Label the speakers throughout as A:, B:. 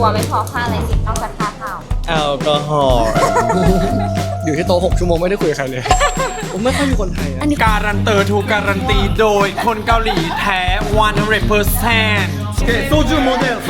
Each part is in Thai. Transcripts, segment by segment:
A: ไม่พอค่าอะไรสินอกจากค่าข้าว
B: แอลกอฮอล์อยู่ที่โต๊ะ6 ชั่วโมงไม่ได้คุยกับใครเลย ผมไม่ค่อยมีคนไทยอะ
C: การันเตอร์ถูกการันตีโดยคนเกาหลีแท้ 100%
B: โซจูโมเดล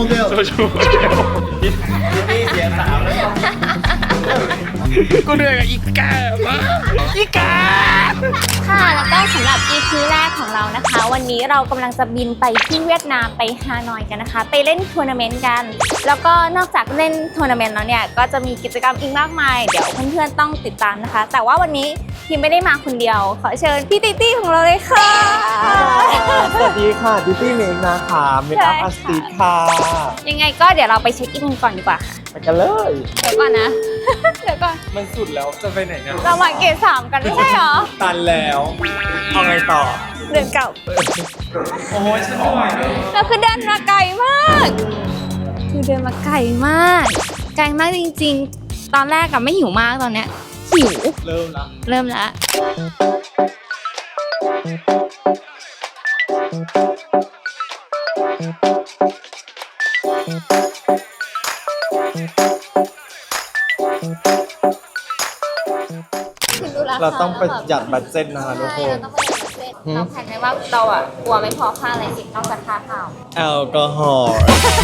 B: นี่เสียสาวแล้ว
C: กูเหนื่อยกับอีกามากอีกา
A: ค่ะแล้วก็สำหรับ EP แรกของเรานะคะ วันนี้เรากำลังจะบินไปที่เวียดนามไปฮานอยกันนะคะไปเล่นทัวร์นาเมนต์กันแล้วก็นอกจากเล่นทัวร์นาเมนต์แล้วเนี่ยก็จะมีกิจกรรมอีกมากมายเดี๋ยวเพื่อนๆต้องติดตามนะคะแต่ว่าวันนี้พิมไม่ได้มาคนเดียวขอเชิญพี่ติตี้ของเราเลยค่ะ
B: สวัสดีค่ะดิตี้เมงนะคะเมคอัพอาร์ติสต์ค่ะ
A: ยังไงก็เดี๋ยวเราไปเช็คอินก่อนดีกว่าค่ะ
B: ไปกันเลย
A: เดี๋ยวก่อนนะ เดี๋ยวก่อน
C: มันสุดแล้วจะไปไหนเนี่ย
A: เรามาเกต3กันไม่ใช่หรอ
C: ตันแล้วเอาไงต่อ
A: เดินเก่า
C: โอ้ยฉันไม่ไหว
A: เราคือเดินมาไกลมากคือเดินมาไกลมากไกลมากจริงๆตอนแรกอะไม่หิวมากตอนเนี้ยหิว
C: เริ่ม
A: แล้ว
B: เราต้องประหยัดบัตเจ็ตนะคะทุกคน
A: เราแผนไว้ว่าเราอ่ะกลัวไม่พอค่าอะไรสินอกจากค่าข้าว
B: แอลกอฮอล์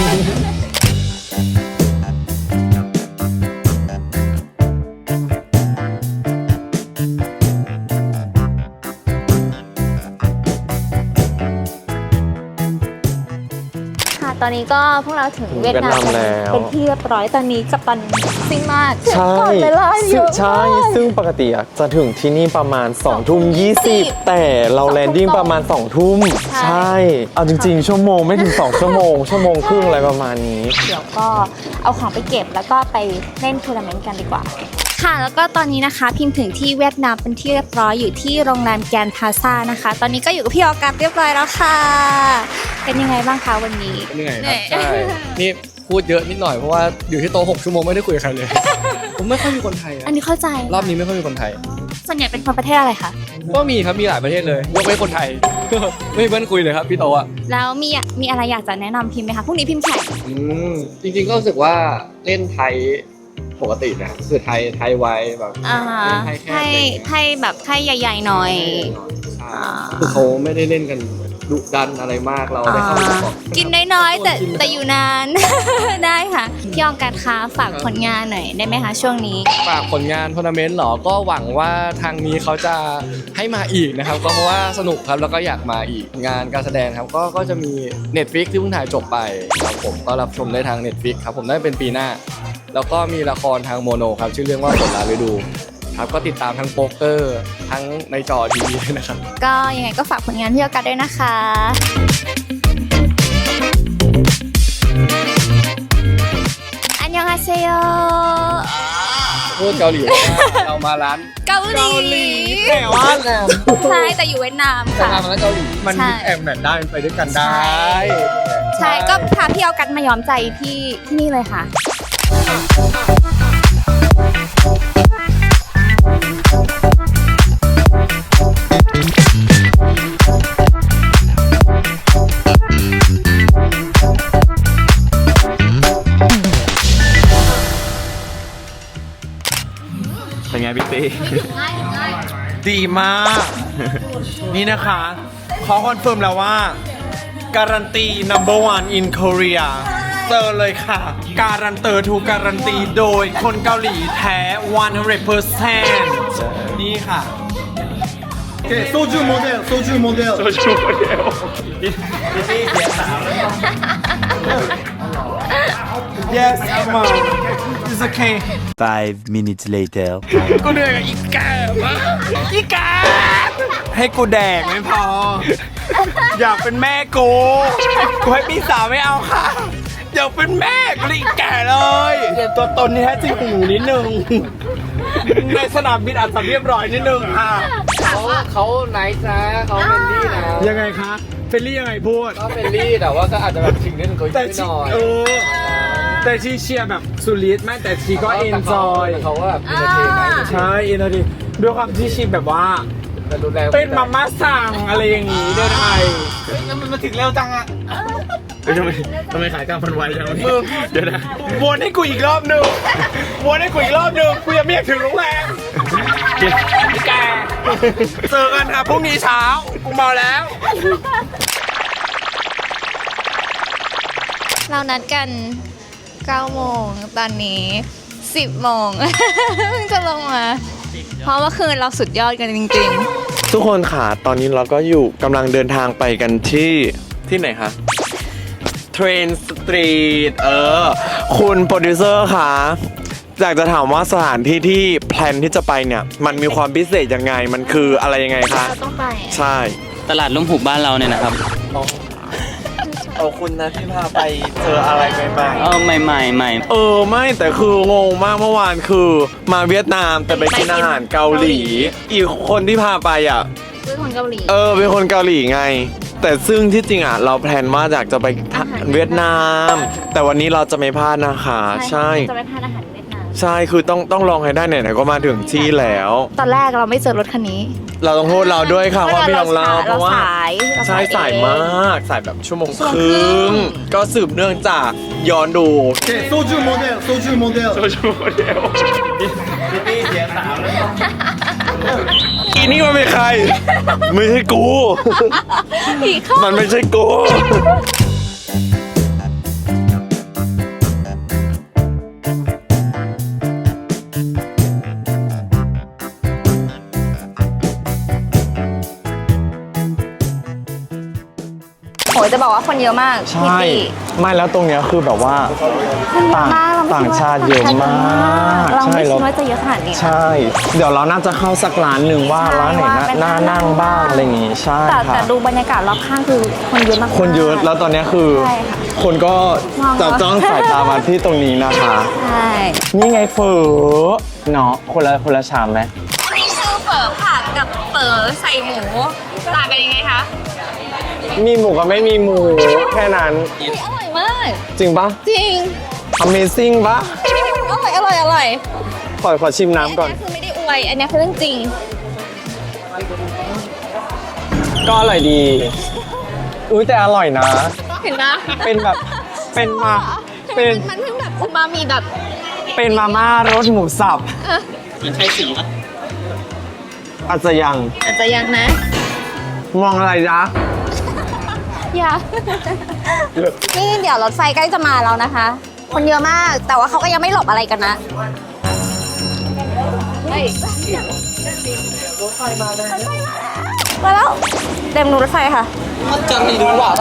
A: ตอนนี้ก็พวกเราถึงเวียดนามเป็นที่เรียบร้อยตอนนี้กัปตันซิ่งมากก่อนเวลาเยอะ
D: ใช่ซึ่งปกติจะถึงที่นี่ประมาณ2:20แต่เราแลนดิ้งประมาณ2 ทุ่มใช่เอาจริงๆชั่วโมงไม่ถึง2 ชั่วโมงชั่วโมงครึ่งอะไรประมาณนี้
A: เดี๋ยวก็เอาของไปเก็บแล้วก็ไปเล่นทัวร์นาเมนต์กันดีกว่าค่ะแล้วก็ตอนนี้นะคะพิมถึงที่เวียดนามเป็นที่เรียบร้อยอยู่ที่โรงแรมแกรนด์พลาซ่านะคะตอนนี้ก็อยู่กับพี่ออกัสเรียบร้อยแล้วค่ะเป็นยังไงบ้างคะวันนี้
B: เหนื่อยครับใช่นี่พูดเยอะนิดหน่อยเพราะว่าอยู่ที่โต๊ะ6 ชั่วโมงไม่ได้คุยกับใครเลย ผมไม่ค่อยมีคนไทย
A: อันนี้เข้าใจ
B: รอบนี้ไม่ค่อยมีคนไทย
A: ส่วนใหญ่เป็นคนประเทศอะไรคะ
B: ก็มีครับมีหลายประเทศเลยยกเว้นคนไทย ไม่มีเพื่อนคุยเลยครับพี่โตะ
A: แล้วมีอะไรอยากจะแนะนำพิมไหมคะพรุ่งนี้พิมแข่ง
B: จริงๆก็รู้สึกว่าเล่นไทยปกตินะคือไทยไวแบบ
A: ไทยแบบไทยใหญ่ๆหน่อย
B: คือเขาไม่ได้เล่นกันดุดันอะไรมากเราได้เข้าไป
A: กินน้อยๆแต่อยู่นาน ได้ค่ะพี่ออกัสคะฝากผลงานหน่อยได้ไหมคะช่วงนี้
B: ฝากผลงานทัวร์นาเมนต์หรอก็หวังว่าทางนี้เขาจะให้มาอีกนะครับก็เพราะว่าสนุกครับแล้วก็อยากมาอีกงานการแสดงครับก็จะมี Netflix ที่เพิ่งถ่ายจบไปครับผมก็รับชมได้ทาง Netflix ครับผมได้เป็นปีหน้าแล้วก็มีละครทางโมโนครับชื่อเรื่องว่าฝนลาฤดูครับก็ติดตามทั้งโป๊กเกอร์ทั้งในจอทีวีนะครับ
A: ก็ยังไงก็ฝากผลงานพี่ออกัสด้วยนะคะอันยองฮาเซโย
B: พูดเกาหลีเรามาร้าน
A: เกาหลี
B: แต่ว่า
A: ใช่แต่อยู่เวียดนามค่ะ
B: มาแล้วเกาหลีมันแอบแมทได้ไปด้วยกันได้
A: ใช่ก็พาพี่ออกัสมาย้อมใจที่นี่เลยค่ะ
D: เป็นไงพี่ตี
C: ดีมาก นี่นะคะขอคอนเฟิร์มแล้วว่าการันตี number one in Korea เจอเลยค่ะการันเตอร์ถูกการันตีโดยคนเกาหลีแท้ 100% นี่ค่ะ
B: โซจูโมเดล
C: นี่เสียสาวแล้ว Yes come on it's okay
E: 5 minutes later
C: กูเหนื่อยกับอีกามากอีกาให้กูแดกไม่พออยากเป็นแม่กูให้พี่สาวไม่เอาค่ะอยากเป็นแม่กูเลยอีกแก่เลยตัวตนนี่แท้จริงหูนิดนึงในสนามบินอาจจะเรียบร้อยนิดนึงค่ะ
B: เขาไนท์นะเขาเฟรนลี่นะ
C: ยังไงคะเฟรนลี่ยังไงพูด
B: ก็เฟรนลี่แต่ว่าก็อาจจะแบบชิงนิดนึงก็นิดหน่อย
C: แต่ชีเชียร์แบบสุริไม่แต่ชีก็เอนจอย
B: เขาก็แบบอินเตอร์เทนได้
C: ใช่อินเตอร์เทนด้วยความที่ชีแบบว่าเป็นมาม่าสั่งอะไรอย่างงี้ด้วยไทยมันมาถึงเร็วจังอะทำไมขายกลางมันไวจังมึงเดี๋ยวนะวนให้กูอีกรอบหนึงวนให้กูอีกรอบหนึงกูยังไม่อยากถึงโรงแรมแกเจอกันครับพรุ่งนี้เช้ากูเมาแล้ว
A: เรานัดกัน 9 โมงตอนนี้ 10 โมง เพิ่งจะลงมา เพราะเมื่อคืนเราสุดยอดกันจริง
D: ทุกคนค่ะตอนนี้เราก็อยู่กำลังเดินทางไปกันที่ไหนคะเทรนสตรีทคุณโปรดิวเซอร์ค่ะอยากจะถามว่าสถานที่ที่แพลนที่จะไปเนี่ยมันมีความพิเศษยังไงมันคืออะไรยังไง
A: ๆ
D: คะ
A: เราต้องไป
D: ใช่
F: ตลาดลุ่มหุบบ้านเราเนี่ยนะครับ
D: เอาคุณนะที่พาไปเจออะไรใหม่
F: ใหม่ๆใหม่
D: ไม่แต่คืองงมากเมื่อวานคือมาเวียดนามแต่ไปกินอาหารเกาหลี อีกคนที่พาไปอ่ะ
A: คือคนเกาหลี
D: เป็นคนเกาหลีไง แต่ซึ่งที่จริงอ่ะเราแพลนว่าอยากจะไป
A: อาหาร
D: เวียดนาม แต่วันนี้เราจะไม่พลาดนะคะใช่
A: จะไปทานอาหารเวียดนาม
D: ใช่คือต้องลองให้ได้ไหนๆก็มาถึงที่แล้ว
A: ตอนแรกเราไม่เจอรถคันนี้
D: เราต้องโทษเราด้วยค่ะว่าพี่ของเราเพ
A: เรา
D: ราะว่า
A: สาย
D: ใช่สายมากสายแบบชั่วโมง
A: ชั่ว
D: ค
A: โมงครึ่
D: รึ่ง
A: ง
D: ก็สืบเนื่องจากย้อนดู
C: 소주 모델
D: อีนี่มันเป็นใคร ไม่ใช่กู
A: ผีเข้า
D: มันไม่ใช่กู
A: โหจะบอกว่าคนเยอะมาก
D: ใช่ ไม่แล้วตรงเนี้ยคือแบบว่า
A: คนเยอะมากเราไม่
D: ต่าง
A: คิดว่
D: ชาติเยอะมาก
A: เราไม่
D: ใช่
A: คิดว่าจะเยอะขนาดนี้
D: ใช่ เดี๋ยวเราน่าจะเข้าสักร้านหนึ่งว่า
A: ใช่
D: ร้านไหน
A: ว่าเป็น
D: น่านั่งบ้างอะไรอย่างงี้ใช่
A: แต่
D: ค่ะ
A: ดูบรรยากาศรอบข้างคือคนเยอะมากๆ
D: คนเยอะแล้วตอนเนี้ยคือ
A: ใช่ค่ะ
D: คนก็
A: มอง
D: จับจ้องสายตามาที่ตรงนี้นะคะ
A: ใช่
D: นี่ไงเฝอเนาะคนละชามไหม
A: นี่คือเฝอผักกับเฝอใส่หมูต่างกันยังไงคะ
D: มีหมูกับไม่มีหมูแค่นั้น
A: อร่อยมาก
D: จริงปะ
A: จริง
D: Amazing ปะ
A: อร่อย
D: ขอชิมน้ำก่อน
A: อันนี้คือไม่ได้อวย อันนี้คือเรื่องจริง
D: ก็อร่อยดี แต่อร่อยนะ
A: เห็นไหม
D: เป็นแบบเป็นมาเป็น
A: มันเพิ่งแบบอูมามีแบบ
D: เป็นมาม่ารสหมูสับ
F: มันใช่สีปะ
D: อาจจะยัง
A: อาจจะยังนะ
D: มองอะไรจ๊ะ
A: อย่า นี่เดี๋ยวรถไฟใกล้จะมาแล้วนะคะ คนเยอะมาก แต่ว่าเขาก็ยังไม่หลบอะไรกันนะมาแล้วเต็มนูรถไฟค่ะ
F: จำดีดูว่า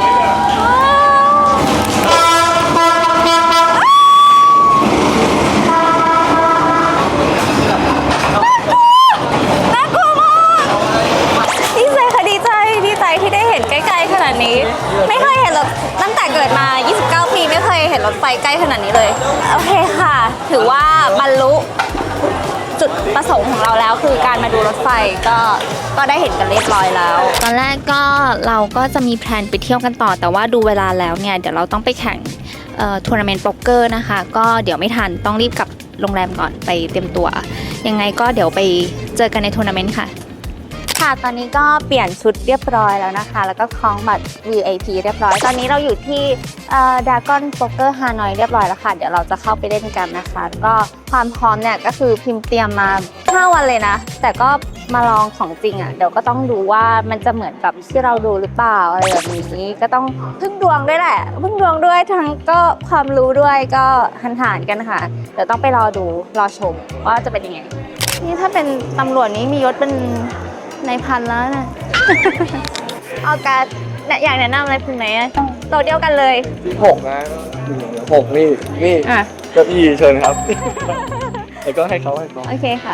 A: น่ากลัวมากดีใจค่ะดีใจที่ได้เห็นใกล้ๆขนาดนี้ ไม่เคยเห็นรถตั้งแต่เกิดมา 29 ปีไม่เคยเห็นรถไฟใกล้ขนาดนี้เลย โอเคค่ะ ถือว่าบรรลุจุดประสงค์ของเราแล้วคือการมาดูรถไฟก็ได้เห็นกันเรียบร้อยแล้ว ตอนแรกก็เราก็จะมีแพลนไปเที่ยวกันต่อ แต่ว่าดูเวลาแล้วเนี่ยเดี๋ยวเราต้องไปแข่งทัวร์นาเมนต์โป๊กเกอร์นะคะ ก็เดี๋ยวไม่ทันต้องรีบกลับโรงแรมก่อนไปเตรียมตัว ยังไงก็เดี๋ยวไปเจอกันในทัวร์นาเมนต์ค่ะ ค่ะ ตอนนี้ก็เปลี่ยนชุดเรียบร้อยแล้วนะคะ แล้วก็คล้องบัตร VIP เรียบร้อย ตอนนี้เราอยู่ที่Dragon Poker Hanoi เรียบร้อยแล้วค่ะ เดี๋ยวเราจะเข้าไปเล่นกันนะคะ ก็ความพร้อมเนี่ยก็คือพิมพ์เตรียมมา 5 วันเลยนะ แต่ก็มาลองของจริงอ่ะ เดี๋ยวก็ต้องดูว่ามันจะเหมือนกับที่เราดูหรือเปล่าอะไรแบบนี้ ก็ต้องพึ่งดวงด้วยแหละ พึ่งดวงด้วยทั้งก็ความรู้ด้วยก็หันๆกันค่ะ เดี๋ยวต้องไปรอดูรอชมว่าจะเป็นยังไง นี่ถ้าเป็นตำรวจนี้มียศเป็นในพันแล้วนะ เอาการเนี่ยอยากแนะนำอะไรคุณไหนอะโต๊ะเดียวกันเลย
B: 6นะ6นี่
A: อ่ะ
B: เก้าอี้เชิญครับ แล้วก็ให้เขา
A: โอเคค่ะ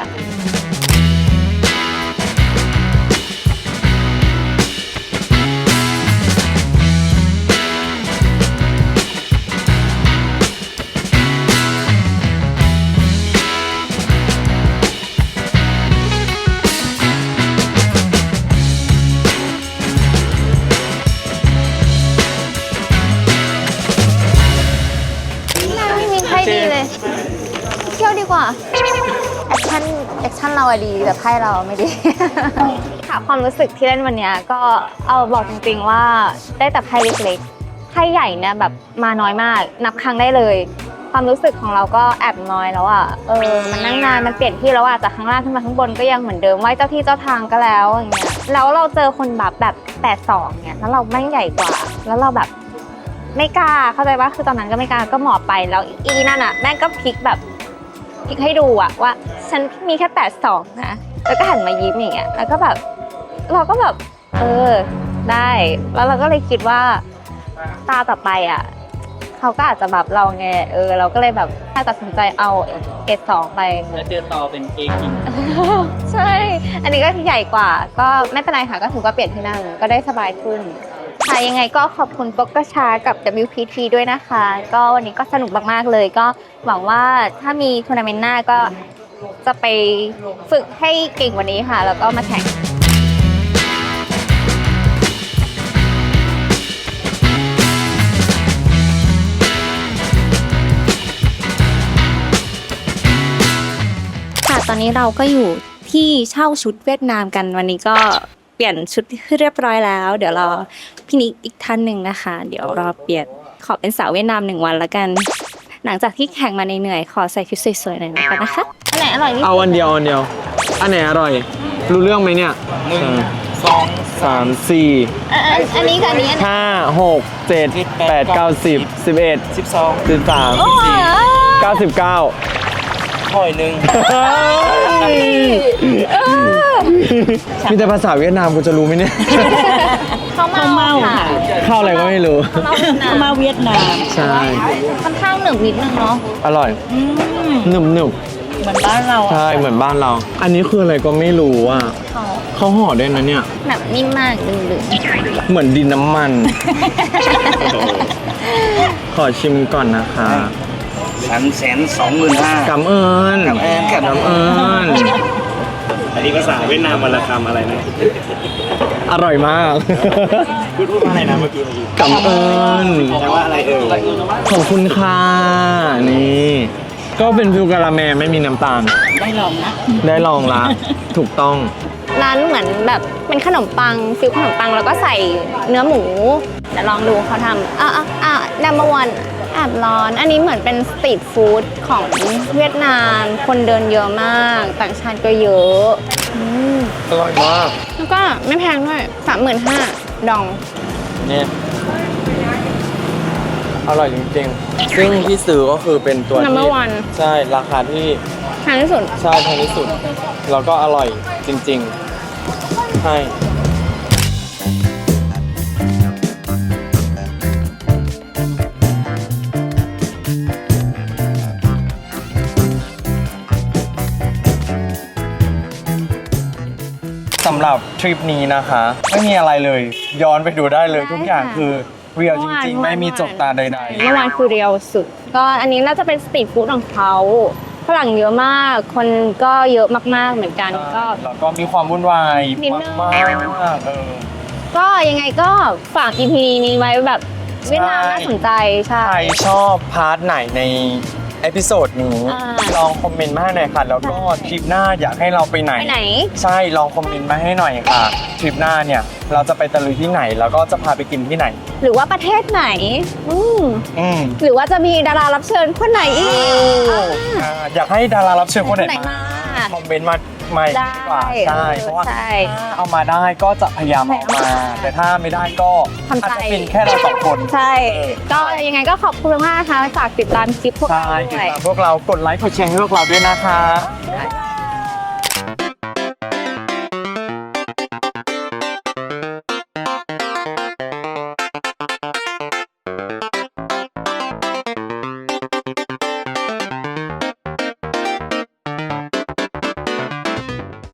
A: ไม่มีใครดีเลย เที่ยวดีกว่า แอคชั่นเราอะดีแต่ไพ่เราไม่ดี ค่ะความรู้สึกที่เล่นวันเนี้ยก็เอาบอกจริงๆว่าได้แต่ไพ่เล็กไข้ใหญ่เนี่ยแบบมาน้อยมากนับครั้งได้เลย ความรู้สึกของเราก็แอบน้อยแล้วอ่ะมันนั่งนานมันเปลี่ยนที่แล้วอ่ะจากข้างล่างขึ้นมาข้างบนก็ยังเหมือนเดิมไหว้เจ้าที่เจ้าทางก็แล้วอย่างเงี้ยแล้วเราเจอคนแบบ82เนี่ยแล้วเราแม่งใหญ่กว่า แล้วเราแบบไม่กล้าเข้าใจว่าคือตอนนั้นก็ไม่กล้าก็หมอบไปแล้วอีนั่นอ่ะแม่งก็พลิกให้ดูอ่ะว่าฉันมีแค่82นะแล้วก็หันมายิ้มอย่างเงี้ยแล้วก็แบบเราก็แบบได้แล้วเราก็เลยคิดว่าตาต่อไปอ่ะเขาก็อาจจะแบบเราไงเราก็เลยแบบถ้าตัดสินใจเอาเกรด2ไป
F: แล้วเจอต่อเป็นเอกิน
A: ใช่ อันนี้ก็ใหญ่กว่า ก็ไม่เป็นไรค่ะ ก็ถือว่าเปลี่ยนที่นั่งก็ได้สบายขึ้น ค่ะ ยังไงก็ขอบคุณปกกชากับ WPT ด้วยนะคะ ก็วันนี้ก็สนุกมากๆเลย ก็หวังว่าถ้ามีทัวร์นาเมนต์หน้าก็จะไปฝึกให้เก่งกว่านี้ค่ะ แล้วก็มาแข่ง ค่ะ ตอนนี้เราก็อยู่ที่เช่าชุดเวียดนามกันวันนี้ก็เปลี่ยนชุดให้เรียบร้อยแล้ว เดี๋ยวรอพี่นิกอีกท่านหนึ่งนะคะ เดี๋ยวรอเปลี่ยนขอเป็นสาวเวียดนาม1 วันแล้วกัน หลังจากที่แข่งมาเหนื่อยๆขอใส่ชุดสวยๆหน่อยนะคะอันไหนอร่อยที่สุด
D: เอาอันเดียวอันไหนอร่อย รู้เรื่องไหมเนี่ย1 2 3 4
A: อันนี้กับอันนี้อันไหน
D: 5 6 7 8 9 10 11
F: 12
D: 13
A: โอ้โห
D: 99
F: หอยหนึ่ง
D: มีแต่ภาษาเวียดนามกูจะรู้ไหมเนี่ย
A: ข้าวเมาค่ะ
D: เข้าอะไรก็ไม่รู้
A: ข้าวเมาเวียดนาม
D: ใช่
A: ค่อนข้างหนึบนิดนึงเนาะ
D: อร่อยหนึบ
A: เหมือนบ้านเรา
D: ใช่เหมือนบ้านเรา อันนี้คืออะไรก็ไม่รู้อ่ะเขาห่อด้วยนะเนี่ย
A: แบบนิ่มมากดึง
D: เหมือนดินน้ำมัน ขอชิมก่อนนะคะ
F: 325,000
D: กำเอิญ
F: กำเอิญ
D: กำเอิญ
G: อันนี้ภาษาเวียดนามวันละคำอะไรนะ
D: อร่อยมาก
G: พูดว่าอะไรนะเมื่อกี้
D: กำเอิญ
G: แปลว่าอะไรเอ่ย
D: ขอบคุณค่ะ นี่ ก็เป็นฟิวกะละแมไม่มีน้ำตาล ได้ลองละ ถูกต้อง
A: ๆร้านเหมือนแบบเป็นขนมปังฟิลขนมปังแล้วก็ใส่เนื้อหมูเดี๋ยวลองดูเขาทำนัมเบอร์วันแอบร้อน อันนี้เหมือนเป็นสตรีทฟู้ดของเวียดนาม คนเดินเยอะมาก ต่างชาติก็เยอะม
D: อร่อยมาก
A: แล้วก็ไม่แพงด้วย 35,000 ดอง
D: เนี่ยอร่อยจริงๆ ซึ่งที่ซื้อก็คือเป็นตัวที่
A: Number one
D: ใช่ ราคาที่
A: แพงที่สุด
D: ใช่แพงที่สุด แล้วก็อร่อยจริงๆ ใช่ สำหรับทริปนี้นะคะ ไม่มีอะไรเลย ย้อนไปดูได้เลย ทุกอย่างคือเรียลจริงๆ ไม่มีจกตาใด
A: เมื่อวานคือเรียวสุด ก็อันนี้น่าจะเป็นสตรีทฟู้ดของเขาฝรั่งเยอะมาก คนก็เยอะมากๆเหมือนกัน
D: ๆ
A: ก็
D: แล้วก็มีความวุ่นวาย
A: นิดนึง
D: มากๆ
A: ก็ยังไงก็ฝาก EP นี้ไว้แบบเวียดนามน่าสนใจใช่
D: ใครชอบพาร์ทไหนในเอพิโซดนี้ ลองคอมเมนต์มาให้หน่อยค่ะ แล้วก็ทริปหน้าอยากให้เราไปไหน
A: ไปไหน
D: ใช่ ลองคอมเมนต์มาให้หน่อยค่ะ ทริปหน้าเนี่ย เราจะไปตะลุยที่ไหน แล้วก็จะพาไปกินที่ไหน
A: หรือว่าประเทศไหนอืม
D: อืม
A: หรือว่าจะมีดารารับเชิญคนไหนอีก
D: อยากให้ดารารับเชิญคนไหน
A: ไหนมา
D: คอมเมนต์มาดีกว่า
A: ได้
D: ใช่เพราะว่า
A: ใช่
D: ถ้าเอามาได้ก็จะพยายามเอามา แต่ถ้าไม่ได้ก็
A: ทำใจ
D: อาจจะเป็นแค่เราสองคน
A: ใช่ ก็ยังไงก็ขอบคุณมากนะคะฝากติดตามคลิปพวก
D: ใช่
A: เรา
D: ติด
A: ด้วย
D: ตามพวกเรากดไลค์กดแชร์ให้พวกเราด้วยนะคะ
A: ค่ะ